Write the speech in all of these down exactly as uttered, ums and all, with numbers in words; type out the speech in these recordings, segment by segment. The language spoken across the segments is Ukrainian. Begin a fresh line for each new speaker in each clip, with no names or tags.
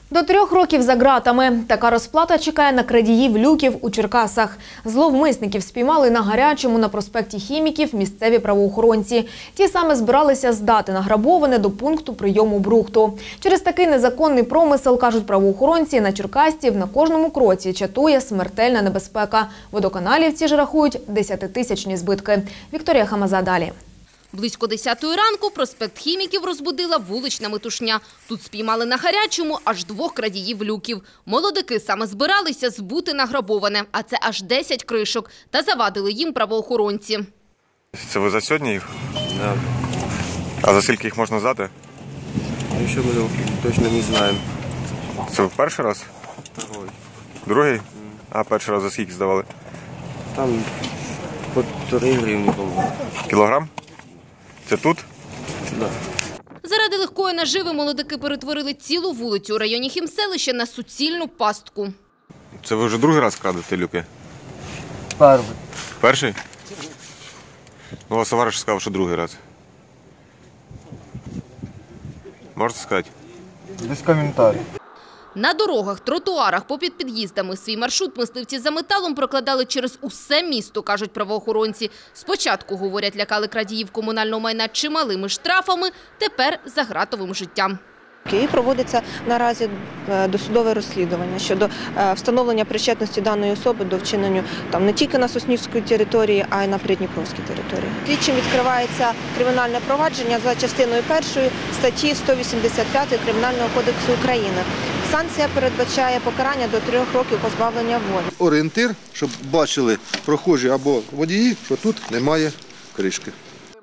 До трьох років за ґратами. Така розплата чекає на крадіїв люків у Черкасах. Зловмисників спіймали на Гарячому на проспекті Хіміків місцеві правоохоронці. Ті саме збиралися здати награбоване до пункту прийому брухту. Через такий незаконний промисел, кажуть правоохоронці, на черкасців на кожному кроці чатує смертельна небезпека. Водоканалівці ж рахують десятитисячні збитки. Вікторія Хамаза далі.
Близько десятої ранку проспект Хіміків розбудила вулична метушня. Тут спіймали на Гарячому аж двох крадіїв люків. Молодики саме збиралися збути награбоване, а це аж десять кришок. Та завадили їм правоохоронці.
Це ви за сьогодні їх?
Да.
А за скільки їх можна здати?
Еще мы точно не знаем.
Це ви перший раз?
Второй.
Другий? А перший раз за скільки здавали?
Там по три гривни, по-моему.
Кілограм? Це тут?
Да.
Заради легкої наживи молодики перетворили цілу вулицю у районі Хімселища на суцільну пастку.
Це ви вже другий раз крадете люки?
Первый.
Перший? Ну, у вас товариш сказав, що другий раз. Можете сказати?
Без коментарів.
На дорогах, тротуарах, попід під'їздами свій маршрут мисливці за металом прокладали через усе місто, кажуть правоохоронці. Спочатку, говорять, лякали крадіїв комунального майна чималими штрафами, тепер – за ґратовим життям.
І проводиться наразі досудове розслідування щодо встановлення причетності даної особи до вчинення там не тільки на Соснівській території, а й на Придніпровській території. Слідчим відкривається кримінальне провадження за частиною першої статті сто вісімдесят п'ять Кримінального кодексу України. Санкція передбачає покарання до трьох років позбавлення волі.
Орієнтир, щоб бачили прохожі або водії, що тут немає кришки.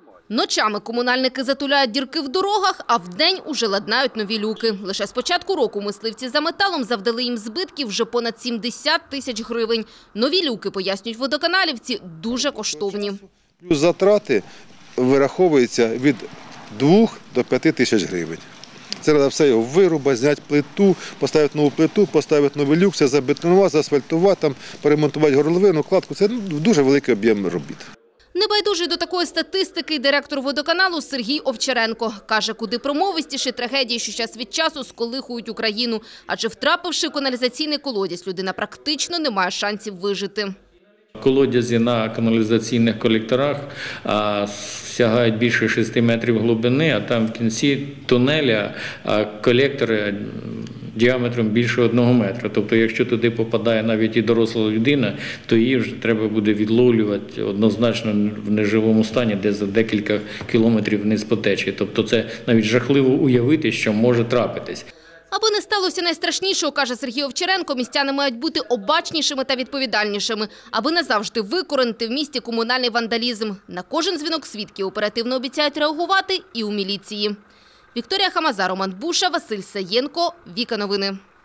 Ночами комунальники затуляють дірки в дорогах, а вдень уже ладнають нові люки. Лише з початку року мисливці за металом завдали їм збитків вже понад сімдесят тисяч гривень. Нові люки, пояснюють водоканалівці, дуже коштовні.
Затрати вираховуються від двох до п'яти тисяч гривень. Це треба все його вирубати, зняти плиту, поставити нову плиту, поставити новий люк, все забетонувати, заасфальтувати, там, перемонтувати горловину, кладку. Це дуже великий об'єм робіт.
Небайдужий до такої статистики директор водоканалу Сергій Овчаренко. Каже, куди промовистіші трагедії, що час від часу сколихують Україну. Адже втрапивши в каналізаційний колодязь, людина практично не має шансів вижити.
Колодязі на каналізаційних колекторах а, сягають більше шести метрів глибини, а там в кінці тунеля а, колектори діаметром більше одного метра. Тобто, якщо туди попадає навіть і доросла людина, то її вже треба буде відловлювати однозначно в неживому стані, де за декілька кілометрів вниз по течії. Тобто це навіть жахливо уявити, що може трапитись.
Аби не сталося найстрашнішого, каже Сергій Овчаренко, містяни мають бути обачнішими та відповідальнішими, аби назавжди викоренити в місті комунальний вандалізм. На кожен дзвінок свідків оперативно обіцяють реагувати і у міліції. Вікторія Хамаза, Роман Буша, Василь Саєнко, Віка Новини.